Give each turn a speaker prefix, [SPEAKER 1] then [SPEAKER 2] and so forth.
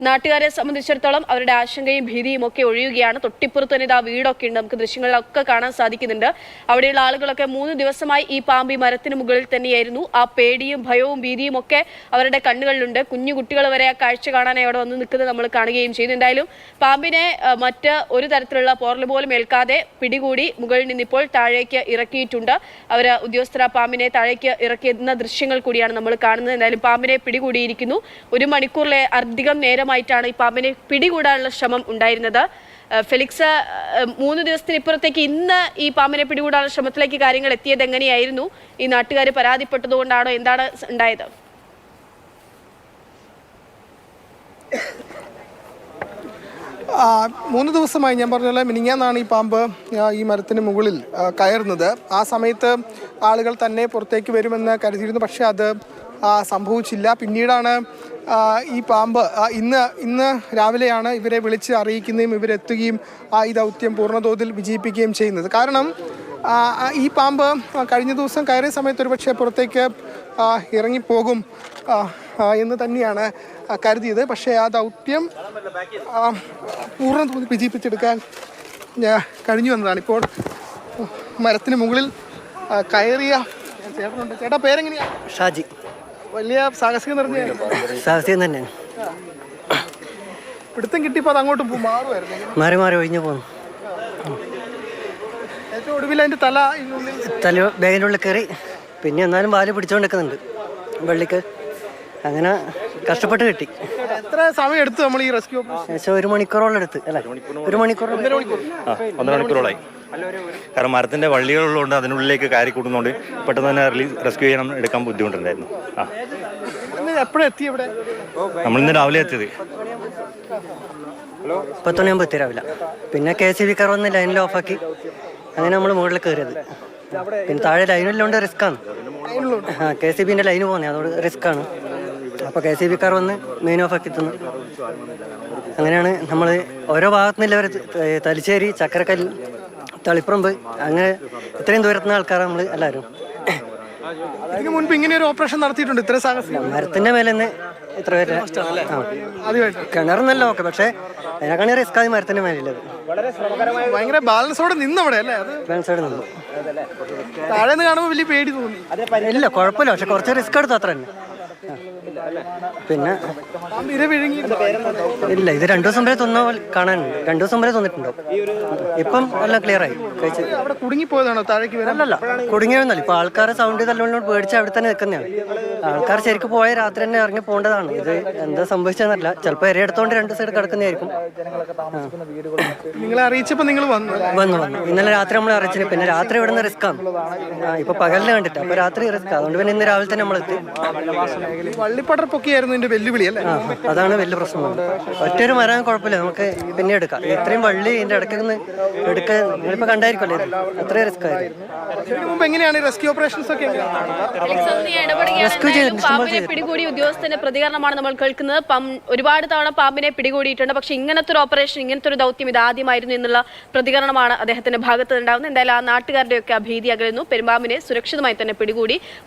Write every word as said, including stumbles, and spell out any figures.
[SPEAKER 1] നാട്ടുകാരെ സംബന്ധിച്ചിടത്തോളം അവരുടെ ആശങ്കയും ഭീതിയും ഒക്കെ ഒഴിയുകയാണ്. തൊട്ടിപ്പുറത്ത് തന്നെ ഇതാ വീടൊക്കെ ഉണ്ട്, നമുക്ക് ദൃശ്യങ്ങളിലൊക്കെ കാണാൻ സാധിക്കുന്നുണ്ട്. അവിടെയുള്ള ആളുകളൊക്കെ മൂന്ന് ദിവസമായി ഈ പാമ്പ് ഈ മരത്തിന് മുകളിൽ തന്നെയായിരുന്നു. ആ പേടിയും ഭയവും ഭീതിയും ഒക്കെ അവരുടെ കണ്ണുകളിലുണ്ട്. കുഞ്ഞു കുട്ടികൾ വരെ ആ കാഴ്ച കാണാനായി അവിടെ വന്ന് നിൽക്കുന്നത് നമ്മൾ കാണുകയും ചെയ്തു. എന്തായാലും പാമ്പിനെ മറ്റ് ഒരു തരത്തിലുള്ള പോറൽ പോലും ഏൽക്കാതെ പിടികൂടി മുകളിൽ നിന്നിപ്പോൾ താഴേക്ക് ഇറക്കിയിട്ടുണ്ട്. അവർ ഉദ്യോഗസ്ഥർ ആ പാമ്പിനെ താഴേക്ക് ഇറക്കിയെന്ന ദൃശ്യങ്ങൾ കൂടിയാണ് നമ്മൾ കാണുന്നത്. എന്തായാലും പാമ്പിനെ പിടികൂടിയിരിക്കുന്നു. ഒരു മണിക്കൂറിലെ അധികം നേരം ായിട്ടാണ് ഈ പാമ്പിനെ പിടികൂടാനുള്ള ശ്രമം ഉണ്ടായിരുന്നത്. ഫെലിക്സ്, മൂന്ന് ദിവസത്തിനിപ്പുറത്തേക്ക് ഇന്ന് ഈ പാമ്പിനെ പിടികൂടാനുള്ള ശ്രമത്തിലേക്ക് കാര്യങ്ങൾ എത്തിയത് എങ്ങനെയായിരുന്നു? ഈ നാട്ടുകാർ പരാതിപ്പെട്ടതുകൊണ്ടാണോ, എന്താണ് ഉണ്ടായത്?
[SPEAKER 2] മൂന്ന് ദിവസമായി ഞാൻ പറഞ്ഞ മിനിങ്ങാന്നാണ് ഈ പാമ്പ് ഈ മരത്തിന് മുകളിൽ കയറുന്നത്. ആ സമയത്ത് ആളുകൾ തന്നെ പുറത്തേക്ക് വരുമെന്ന് കരുതിയിരുന്നു. പക്ഷേ അത് സംഭവിച്ചില്ല. പിന്നീടാണ് ഈ പാമ്പ് ഇന്ന് ഇന്ന് രാവിലെയാണ് ഇവരെ വിളിച്ച് അറിയിക്കുന്നതും ഇവരെത്തുകയും ഈ ദൗത്യം പൂർണ്ണതോതിൽ വിജയിപ്പിക്കുകയും ചെയ്യുന്നത്. കാരണം ഈ പാമ്പ് കഴിഞ്ഞ ദിവസം കയറിയ സമയത്ത് ഒരുപക്ഷെ പുറത്തേക്ക് ഇറങ്ങിപ്പോകും എന്ന് തന്നെയാണ് കരുതിയത്. പക്ഷേ ആ ദൗത്യം പൂർണ്ണതോതിൽ വിജയിപ്പിച്ചെടുക്കാൻ കഴിഞ്ഞു എന്നതാണ്. ഇപ്പോൾ മരത്തിന് മുകളിൽ കയറിയ ചേട്ടനുണ്ട്. ചേട്ടാ, പേരെങ്ങനെയാ?
[SPEAKER 3] ഷാജി.
[SPEAKER 2] വലിയ സാഹസികം നിറഞ്ഞ
[SPEAKER 3] സാഹസികം തന്നെ.
[SPEAKER 2] പിടുത്തം കിട്ടിയപ്പോൾ അത് അങ്ങോട്ട് മാറുമായിരുന്നു,
[SPEAKER 3] മാറി മാറി ഒഴിഞ്ഞു പോകുന്നു.
[SPEAKER 2] ഏറ്റവും ഒടുവിൽ അതിൻ്റെ തല
[SPEAKER 3] തല ബാഗിൻ്റെ ഉള്ളിൽ കയറി. പിന്നെ എന്നാലും വാല് പിടിച്ചുകൊണ്ട് നിൽക്കുന്നുണ്ട് വെള്ളിക്ക്. അങ്ങനെ കഷ്ടപ്പെട്ട് കിട്ടി.
[SPEAKER 2] എത്ര സമയം എടുത്തു നമ്മൾ ഈ റെസ്ക്യൂ?
[SPEAKER 3] ഏകദേശം ഒരു മണിക്കൂറോളം എടുത്ത്. അല്ല, ഒരു മണിക്കൂർ
[SPEAKER 4] ഒന്നര മണിക്കൂറോളായി. കാരണം മരത്തിന്റെ വള്ളികളുള്ളതുകൊണ്ട് അതിനുള്ളിലേക്ക് കയറി കൂടുന്നതുകൊണ്ട് പെട്ടെന്ന് തന്നെ റെസ്ക്യൂ ചെയ്യാൻ എടുക്കാൻ ബുദ്ധിമുട്ടുണ്ടായിരുന്നു. ആ
[SPEAKER 2] എപ്പോഴെത്തി ഇവിടെ?
[SPEAKER 4] നമ്മളിന്ന് രാവിലെ എത്തിയത്
[SPEAKER 3] പത്തുമണിയാകുമ്പോൾ എത്തി രാവിലെ. പിന്നെ കെ സി ബി കാർ വന്ന് ലൈനിൽ ഓഫാക്കി. അങ്ങനെ നമ്മൾ മുകളിൽ കയറിയത്. പിന്നെ താഴെ ലൈനിലുണ്ട്, റിസ്ക് ആണ്. ആ കെ സി ബിന്റെ ലൈന് പോകുന്നത്, അതുകൊണ്ട് റിസ്ക് ആണ്. അപ്പോൾ കെ സി ബി കാർ വന്ന് മെയിൻ ഓഫാക്കി എത്തുന്നു. അങ്ങനെയാണ് നമ്മൾ ഓരോ ഭാഗത്തുനിന്നില്ല. അവർ തലശ്ശേരി, ചക്കരക്കല്ല്, തളിപ്പറമ്പ്, അങ്ങനെ ഇത്രയും ദൂരത്തുനിന്ന് ആൾക്കാരാണ് നമ്മൾ എല്ലാവരും.
[SPEAKER 2] ഇതിന് മുൻപ് ഇങ്ങനെ ഒരു ഓപ്പറേഷൻ നടത്തിയിട്ടുണ്ട്? ഇത്ര സാഹസികം
[SPEAKER 3] മരത്തിന്റെ മേലെ നിന്ന് ഇത്ര പേര് കിണറുന്നല്ലോ. ഓക്കെ, പക്ഷേ അതിനെക്കാണി റിസ്ക് ആയി മരത്തിന്റെ മേലുള്ളത്.
[SPEAKER 2] ഭയങ്കര ബാലൻസോടെ നിന്നവിടെ അല്ലേ?
[SPEAKER 3] ബാലൻസോടെ നിന്നു.
[SPEAKER 2] താഴെ നിന്ന് കാണുമ്പോൾ വലിയ പേടി തോന്നി?
[SPEAKER 3] ഇല്ല, കുഴപ്പമില്ല. പക്ഷെ കുറച്ച് റിസ്ക് എടുത്തു, അത്ര തന്നെ. പിന്നെ ഇല്ല, ഇത് രണ്ടു ദിവസം വരെ തൊന്ന കാണാനുണ്ട്. രണ്ടു ദിവസം വരെ തോന്നിട്ടുണ്ടോ? ഇപ്പം എല്ലാം ക്ലിയർ ആയി. കഴിച്ച്
[SPEAKER 2] കുടുങ്ങിപ്പോയതാണോ താഴേക്ക്?
[SPEAKER 3] അല്ലല്ല, കുടുങ്ങിയൊന്നല്ല. ഇപ്പൊ ആൾക്കാരെ സൗണ്ട് തല്ലോണ്ട് പേടിച്ച് അവിടെ തന്നെ നിൽക്കുന്നതാണ്. ആൾക്കാർ ശരിക്കും പോയ രാത്രി തന്നെ ഇറങ്ങി പോകേണ്ടതാണ്. ഇത് എന്താ സംഭവിച്ചതെന്നല്ല. ചിലപ്പോൾ എരയെടുത്തോണ്ട് രണ്ട് സൈഡ് കിടക്കുന്നതായിരിക്കും.
[SPEAKER 2] നിങ്ങളെ അറിയിച്ചപ്പോൾ നിങ്ങൾ വന്നു
[SPEAKER 3] വന്നു വന്നു ഇന്നലെ രാത്രി നമ്മൾ അറിയിച്ചില്ല. പിന്നെ രാത്രി ഇവിടുന്ന് റിസ്ക് ആണ്. ഇപ്പൊ പകലിന് കണ്ടിട്ട്, അപ്പൊ രാത്രി റിസ്ക്. അതുകൊണ്ട് പിന്നെ ഇന്ന് രാവിലെ തന്നെ നമ്മളെത്തി.
[SPEAKER 2] വള്ളിപ്പടർപ്പൊക്കെയായിരുന്നു ഇതിന്റെ വെല്ലുവിളി അല്ലേ?
[SPEAKER 3] അതാണ് വലിയ പ്രശ്നം. ഒറ്റൊരു മരം കുഴപ്പമില്ല, നമുക്ക് പിന്നെ എടുക്കാം. ഇത്രയും വള്ളി ഇതിന്റെ ഇടയ്ക്ക് നിന്ന് എടുക്കാൻ നിങ്ങളിപ്പോ കണ്ടായിരിക്കുമല്ലേ, അത്രയും റിസ്ക് ആയിരുന്നു.
[SPEAKER 1] പാമ്പിനെ പിടികൂടി ഉദ്യോഗസ്ഥന്റെ പ്രതികരണമാണ് നമ്മൾ കേൾക്കുന്നത്. ഒരുപാട് തവണ പാമ്പിനെ പിടികൂടിയിട്ടുണ്ട്, പക്ഷെ ഇങ്ങനത്തെ ഒരു ഓപ്പറേഷൻ, ഇങ്ങനത്തെ ഒരു ദൗത്യം ഇതാദ്യമായിരുന്നു എന്നുള്ള പ്രതികരണമാണ് അദ്ദേഹത്തിന്റെ ഭാഗത്ത് ഉണ്ടാകുന്നത്. എന്തായാലും ആ നാട്ടുകാരുടെയൊക്കെ ആ ഭീതി അകലുന്നു. പെരുമ്പാമ്പിനെ സുരക്ഷിതമായി തന്നെ പിടികൂടി.